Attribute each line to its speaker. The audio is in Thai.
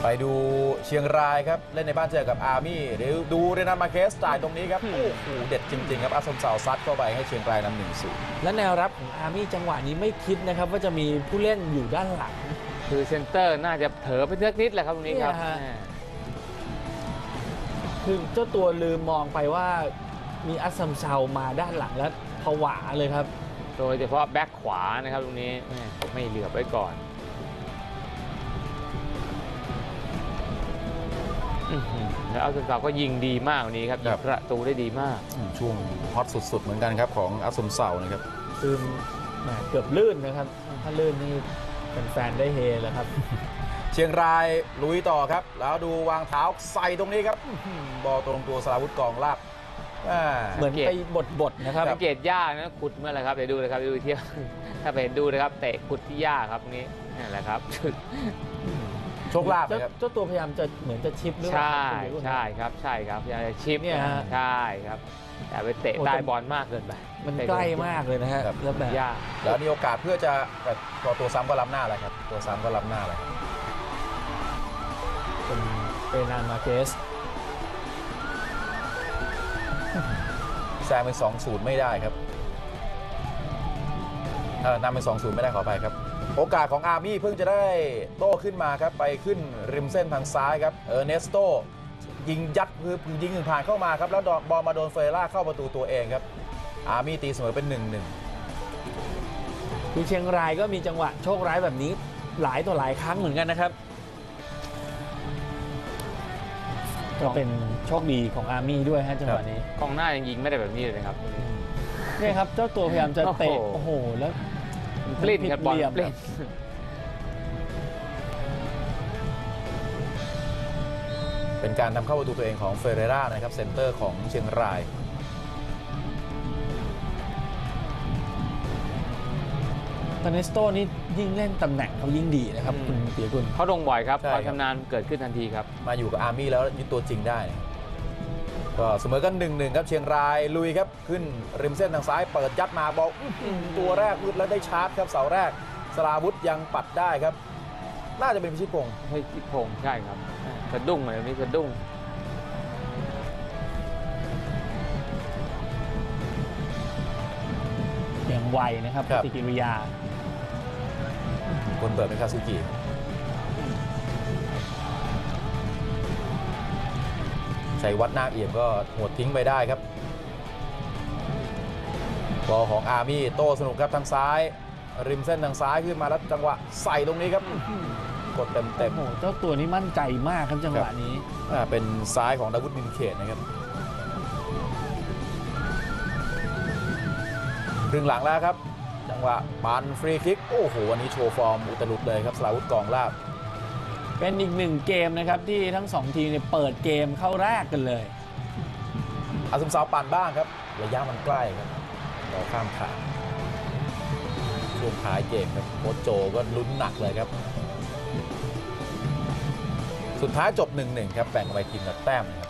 Speaker 1: ไปดูเชียงรายครับเล่นในบ้านเจอกับอาร์มี่เดี๋ยวดูเรนันมาร์เคสจ่ายตรงนี้ครับโอ้โหเด็ดจริงๆครับอาสมเสาซัดเข้าไปให้เชียงรายนำ 1-0
Speaker 2: และแนวรับของอาร์มี่จังหวะนี้ไม่คิดนะครับว่าจะมีผู้เล่นอยู่ด้านหลัง
Speaker 3: คือเซนเตอร์น่าจะเผลอไปสักนิดแหละครับตรงนี้ครับ
Speaker 2: คือเจ้าตัวลืมมองไปว่ามีอัสซัมเซามาด้านหลังแล้วผวาเลยครับ
Speaker 3: โดยเฉพาะแบ็คขวานะครับตรงนี้ไม่เหลือบไว้ก่อนแล้วอัสซัมเซาก็ยิงดีมากวันนี้ครับยิงประตูได้ดีมาก
Speaker 1: ช่วงฮอตสุดๆเหมือนกันครับของอัสซัมเซานะครับ
Speaker 2: คือเกือบลื่นนะครับถ้าลื่นนี่แฟนได้เฮแล้วครับ
Speaker 1: เชียงรายลุยต่อครับแล้วดูวางเท้าใส่ตรงนี้ครับบอลตรงตัวสราวุธกองลาบ
Speaker 2: เหมือนไปบดนะครับ
Speaker 3: สังเกตยากนะขุดเมื่อไรครับเดี๋ยวดูเลยครับดูเที่ยวถ้าไปเห็นดูนะครับเตะขุดที่ยากครับนี้นี่แหละครับ
Speaker 1: โชคลาภครับ
Speaker 2: เจ้าตัวพยายามจะเหมือนจะชิปหรือเปล่า
Speaker 3: ใช่ครับพยายามจะชิปเนี่ยใช่ครับแต่ไปเตะใต้บอลมากเกินไป
Speaker 2: มันใกล้มากเลยนะฮะ
Speaker 1: แล้วแบบยากแล้วมีโอกาสเพื่อจะตัวซ้ำก็ล้ำหน้าเลยครับตัวซ้ำก็ล้ำหน้าเลย
Speaker 2: เป็นนานมาเกส
Speaker 1: แซงเป็น 2-0 ไม่ได้ครับนำเป็น 2-0 ไม่ได้ขอไปครับโอกาสของอาร์มี่เพิ่งจะได้โต้ขึ้นมาครับไปขึ้นริมเส้นทางซ้ายครับเนสโตยิงยัดคือยิงผ่านเข้ามาครับแล้วบอลมาโดนเฟรล่าเข้าประตูตัวเองครับอาร์มี่ตีเสมอเป็น 1-1
Speaker 2: คือเชียงรายก็มีจังหวะโชคร้ายแบบนี้หลายต่อหลายครั้งเหมือนกันนะครับก็เป็นโชคดีของอาร์มี่ด้วยฮะจังหวะนี้
Speaker 3: กองหน้ายังยิงไม่ได้แบบนี้เลยครับ
Speaker 2: นี่ครับเจ้าตัวพยายามจะเตะโอ้โหแล้ว
Speaker 3: ปลิ้นครับบอลปลิ้น
Speaker 1: เป็นการทำเข้าประตูตัวเองของเฟเรร่านะครับเซนเตอร์ของเชียงราย
Speaker 2: ตาเนสโตนี่ยิ่งเล่นตำแหน่งเขายิ่งดีนะครับคุณเปียกุล
Speaker 3: เขาลงบ่อยครับความชำนาญเกิดขึ้นทันทีครับ
Speaker 1: มาอยู่กับอาร์มี่แล้วยึดตัวจริงได้ก็เสมอกัน 1-1 ครับเชียงรายลุยครับขึ้นริมเส้นทางซ้ายเปิดยัดมาบอลตัวแรกวุดแล้วได้ชาร์จครับเสาแรกสราวุธยังปัดได้ครับน่าจะเป็นพิชิตพงศ์
Speaker 3: ใช่ครับสะดุ้งเลยนี่สะดุ้ง
Speaker 2: อย่างไวนะครับปฏิกิริยา
Speaker 1: คนเปิดเป็นคาซุกิชัยวัฒน์นาคเอี่ยมก็หดทิ้งไปได้ครับบอลของอาร์มี่โต้สนุกครับทางซ้ายริมเส้นทางซ้ายขึ้นมาแล้วจังหวะใส่ตรงนี้ครับกดเต็ม
Speaker 2: โอ้โหเจ้าตัวนี้มั่นใจมากครับจังหวะนี้
Speaker 1: เป็นซ้ายของดาวุฒิ ดินเขตนะครับครึ่งหลังแล้วครับจังหวะปันฟรีคิกโอ้โหวันนี้โชว์ฟอร์มอุตลุดเลยครับสราวุธกองลาบ
Speaker 2: เป็นอีกหนึ่งเกมนะครับที่ทั้ง2ทีมเปิดเกมเข้าแรกกันเลย
Speaker 1: อัสซัมเซาปั่นบ้างครับระยะมันใกล้ครับเราข้ามขาช่วงท้ายเกมครับโค้ชโจก็ลุ้นหนักเลยครับสุดท้ายจบ 1-1 ครับแบ่งไปทีมละแต้มครับ